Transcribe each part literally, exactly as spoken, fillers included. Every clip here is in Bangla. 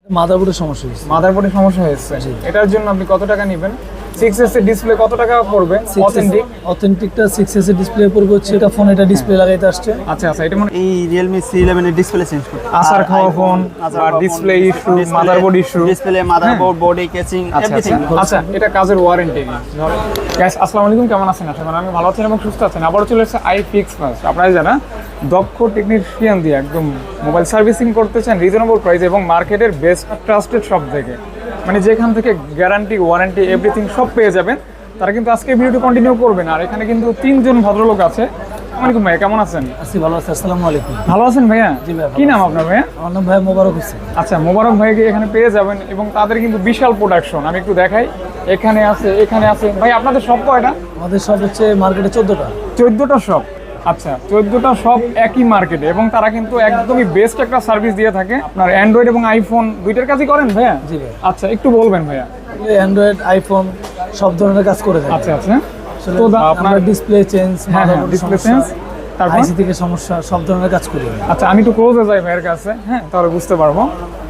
মাদারবোর্ডের সমস্যা হয়েছে। মাদারবোর্ডের সমস্যা হয়েছে, এটার জন্য আপনি কত টাকা নেবেন? সিক্স এস এর ডিসপ্লে কত টাকা পড়বে? অথেন্টিক অথেন্টিকটা সিক্স এস এর ডিসপ্লে পড়বে হচ্ছে, এটা ফোন এটা ডিসপ্লে লাগাইতে আসছে। আচ্ছা আচ্ছা, এটা মানে এই Realme সি ইলেভেন এর ডিসপ্লে চেঞ্জ করতে, আসার খাওয়া ফোন বা display issue, motherboard issue, display, motherboard, body casing, everything. আচ্ছা, এটা কাজের ওয়ারেন্টি কি? গাইস আসসালামু আলাইকুম, কেমন আছেন? আশা করি আমি ভালো আছেন এবং সুস্থ আছেন। আবারও চলে এসেছে আইফিক্স ফার্স্ট। আপনারা যারা দক্ষ টেকনিশিয়ান দিয়ে একদম মোবাইল সার্ভিসিং করতে চান রিজনেবল প্রাইস এবং মার্কেটের বেস্ট ট্রাস্টেড শপ থেকে, মানে যেখান থেকে গ্যারান্টি, ওয়ারেন্টি, এভরিথিং সব পেয়ে যাবেন, তারা কিন্তু আজকে ভিডিওটি কন্টিনিউ করবেন। আর এখানে কিন্তু তিনজন ভদ্রলোক আছে। আসসালামু ভাইয়া, কেমন আছেন? আছি, ভালো আছি। আসসালামু আলাইকুম। ভালো আছেন ভাইয়া? জি ভাই। কি নাম আপনার ভাইয়া? আমার নাম ভাই মোবারক হোসেন। আচ্ছা, মোবারক ভাইকে এখানে পেয়ে যাবেন এবং তাদের কিন্তু বিশাল প্রোডাকশন। আমি একটু দেখাই, এখানে আছে, এখানে আছে। ভাই আপনাদের সব কয়টা? আমাদের সব হচ্ছে মার্কেটে চোদ্দটা চোদ্দটা শপ। আচ্ছা, চোদ্দটা শপ একই মার্কেটে এবং তারা কিন্তু একদমই বেস্ট একটা সার্ভিস দিয়ে থাকে। আপনার অ্যান্ড্রয়েড এবং আইফোন দুইটার কাজই করেন ভাইয়া? জি ভাই। আচ্ছা, একটু বলবেন ভাইয়া। অ্যান্ড্রয়েড, আইফোন সব ধরনের কাজ করে থাকে। আচ্ছা আচ্ছা, তো আপনার ডিসপ্লে চেঞ্জ, ডিসপ্লে চেঞ্জ, তারপর আইসি থেকে সমস্যা, সব ধরনের কাজ করি। আচ্ছা, আমি একটু ক্লোজে যাই ভাইয়ের কাছে, হ্যাঁ, তাহলে বুঝতে পারবো।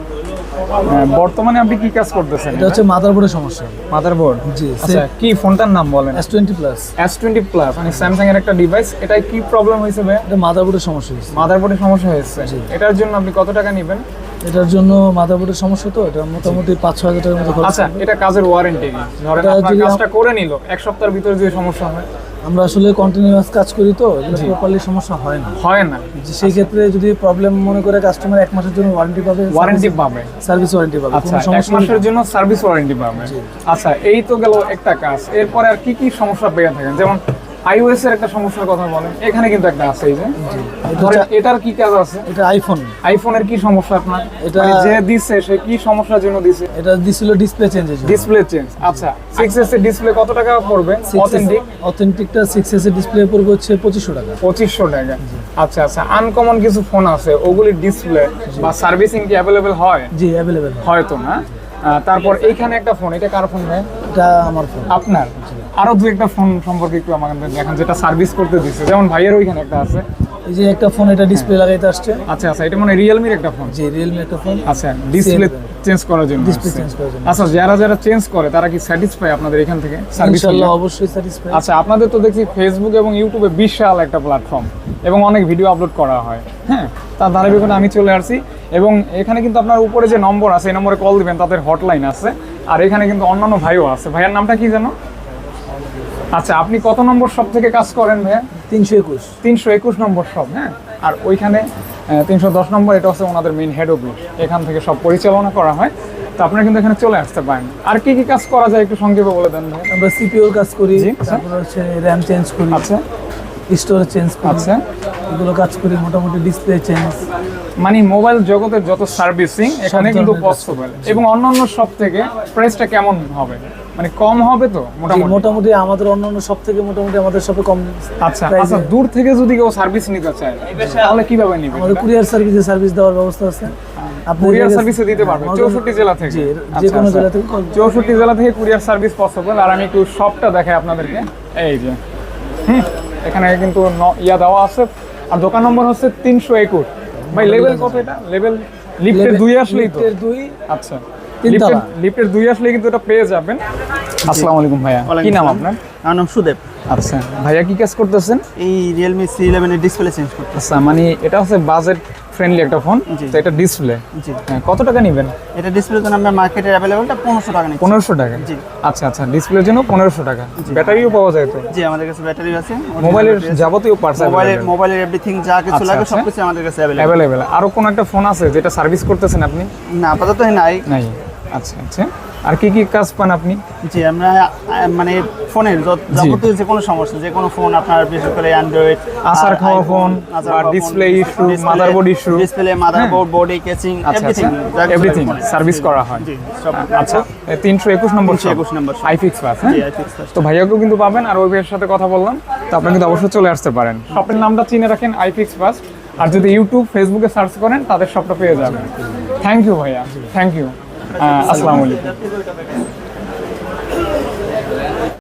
বর্তমানে আপনি কি কাজ করতেছেন? এটা হচ্ছে মাদারবোর্ডের সমস্যা। মাদারবোর্ড? জি। আচ্ছা, কি ফোনটার নাম বলেন? S twenty plus. S twenty plus মানে স্যামসাং এর একটা ডিভাইস। এটা কি প্রবলেম হয়েছে ভাই? এটা মাদারবোর্ডের সমস্যা হয়েছে। মাদারবোর্ডের সমস্যা হয়েছে, এটার জন্য আপনি কত টাকা নেবেন? এটার জন্য মাদারবোর্ডের সমস্যা, তো এটা মোটামুটি পাঁচ ছয় হাজার টাকার মতো খরচ। আচ্ছা, এটা কাজের ওয়ারেন্টি কি? ধরেন আপনার কাজটা করে নিল, এক সপ্তাহের ভিতরে যে সমস্যা হয়? আমরা আসলে কন্টিনিউয়াস কাজ করি, তো এগুলো প্রপারলি সমস্যা হয় না। হয় না? সেই ক্ষেত্রে যদি প্রবলেম মনে করে কাস্টমার এক মাসের জন্য ওয়ারেন্টি পাবে, ওয়ারেন্টি পাবে, সার্ভিস ওয়ারেন্টি পাবে। আচ্ছা, এক মাসের জন্য সার্ভিস ওয়ারেন্টি পাবে। আচ্ছা, এই তো গেল একটা কাজ। এরপরে আর কি কি সমস্যা পেয়ে থাকেন? যেমন আইওএস এর একটা সমস্যার কথা বলেন, এখানে কিন্তু একটা আছে। এই যে ধরেন এটার কি কাজ আছে? এটা আইফোন। আইফোনের কি সমস্যা আপনার? এটা যে দিছে সে কি সমস্যার জন্য দিছে? এটা দিছিল ডিসপ্লে চেঞ্জের জন্য। Display change. আচ্ছা, সিক্স এস এর ডিসপ্লে কত টাকা পড়বে? অথেন্টিক অথেন্টিকটা সিক্স এস এর ডিসপ্লে পড়বে হচ্ছে পঁচিশশো টাকা। পঁচিশশো টাকা। আচ্ছা আচ্ছা, আনকমন কিছু ফোন আছে, ওগুলির ডিসপ্লে বা সার্ভিসিং কি অ্যাভেলেবেল হয়? জি, অ্যাভেলেবেল হয়তো না। তারপর এইখানে একটা ফোন, এটা কার ফোন ভাই? এটা আমার ফোন। আপনার? আরো দুই একটা ফোন সম্পর্কে একটু আমাকে দেখান যেটা সার্ভিস করতে দিচ্ছে। যেমন ভাইয়ের ওইখানে একটা আছে, এই যে একটা ফোন, এটা ডিসপ্লে লাগাইতে আসছে। আচ্ছা আচ্ছা, এটা মানে রিয়েলমির একটা ফোন? জি, রিয়েলমি একটা ফোন। আচ্ছা, ডিসপ্লে চেঞ্জ করার জন্য? ডিসপ্লে চেঞ্জ করার জন্য। আচ্ছা, যারা যারা চেঞ্জ করে তারা কি স্যাটিসফাই আপনাদের এখান থেকে সার্ভিস? ইনশাআল্লাহ অবশ্যই স্যাটিসফাই। আচ্ছা, আপনাদের তো দেখছি ফেসবুক এবং ইউটিউবে বিশাল একটা প্ল্যাটফর্ম এবং অনেক ভিডিও আপলোড করা হয়, হ্যাঁ, তার ধারাবাহিকতা আমি চলে আসছি এবং এখানে কিন্তু আপনার উপরে যে নম্বর আছে এই নম্বরে কল দিবেন, তাদের হটলাইন আছে। আর এখানে কিন্তু অন্যান্য ভাইও আছে। ভাইয়ার নামটা কি জানো? আচ্ছা, আপনি কত নম্বর শপ থেকে কাজ করেন ভাইয়া? তিনশো একুশ। তিনশো একুশ নম্বর শপ, হ্যাঁ। আর ওইখানে তিনশো দশ নম্বর, এটা হচ্ছে ওনাদের মেইন হেড অফিস, এখান থেকে সব পরিচালনা করা হয়। তো আপনারা কিন্তু এখানে চলে আসতে পারেন। আর কি কি কাজ করা যায় একটু সংক্ষেপে বলে দেন ভাই। আমরা সিপিইউর কাজ করি, তারপর হচ্ছে র্যাম চেঞ্জ করি, আচ্ছা, স্টোরেজ চেঞ্জ করি, আচ্ছা, এগুলো কাজ করি। মোটামুটি ডিসপ্লে চেঞ্জ, মানে মোবাইল জগতের যত সার্ভিসিং এখানে কিন্তু পসিবল। এবং অন্যান্য শপ থেকে প্রাইসটা কেমন হবে? মানে কম হবে তো মোটামুটি? মোটামুটি আমাদের অন্যান্য সব থেকে মোটামুটি আমাদের শপে কম। আচ্ছা আচ্ছা, দূর থেকে যদি কেউ সার্ভিস নিতে চায় তাহলে কিভাবে নিবে? আমাদের কুরিয়ার সার্ভিসে সার্ভিস দেওয়ার ব্যবস্থা আছে। আপনি কুরিয়ার সার্ভিসে দিতে পারবেন চৌষট্টি জেলা থেকে? জি, যে কোনো জেলা থেকে। চৌষট্টি জেলা থেকে কুরিয়ার সার্ভিস পসিবল। আর আমি একটু শপটা দেখাই আপনাদেরকে। এই যে, হুম, এখানে কিন্তু ইয়া দেওয়া আছে। আর দোকান নম্বর হচ্ছে তিনশো একুশ। ভাই লেভেল কত এটা? লেভেল লিফটের দুই আসলেই তো? দুই। আচ্ছা, লিফটের দুই আসলে কিন্তু এটা পেয়ে যাবেন। আসসালামু আলাইকুম ভাইয়া, কি নাম আপনার? আমার নাম সুদেব। আচ্ছা ভাইয়া, কি কাজ করতেছেন? এই Realme সি ইলেভেন এর ডিসপ্লে চেঞ্জ করতে। আচ্ছা, মানে এটা হচ্ছে বাজেট ফ্রেন্ডলি একটা ফোন, তো এটা ডিসপ্লে। জি। কত টাকা নেবেন? এটা ডিসপ্লের জন্য আমরা মার্কেটে অ্যাভেলেবলটা পনেরোশো টাকা নিচ্ছি। পনেরোশো টাকা? জি। আচ্ছা আচ্ছা, ডিসপ্লের জন্য পনেরোশো টাকা। ব্যাটারিও পাওয়া যায় তো? জি, আমাদের কাছে ব্যাটারি আছে, মোবাইলের যাবতীয় পার্টস, মোবাইলের মোবাইলের এভরিথিং যা কিছু লাগে সবকিছু আমাদের কাছে অ্যাভেলেবল। আরো কোন একটা ফোন আছে যেটা সার্ভিস করতেছেন আপনি? না, আপাতত নাই। নাই। আচ্ছা আচ্ছা, আর কি কি কাজ পান আপনি? জি, আমরা মানে ফোনের যাবতীয় যে কোনো সমস্যা, যে কোনো ফোন আপনার, বিশেষ করে অ্যান্ড্রয়েড, আসার খাওয়া ফোন বা display issue, motherboard issue, display, motherboard, body casing, everything everything service করা হয়। জি, সব। আচ্ছা, তিনশো একুশ নম্বর একুশ নম্বর আইফিক্স ফার্স্ট। জি, আইফিক্স ফার্স্ট। তো ভাইয়াকেও কিন্তু পাবেন। আর ওই ভাইয়ের সাথে কথা বললাম, তো আপনারা কিন্তু অবশ্যই চলে আসতে পারেন। শপের নামটা চিনে রাখেন, আইফিক্স ফার্স্ট। আর যদি ইউটিউব, ফেসবুকে সার্চ করেন তাদের শপটা পেয়ে যাবেন। থ্যাংক ইউ ভাইয়া, থ্যাংক ইউ। আসসালামু আলাইকুম।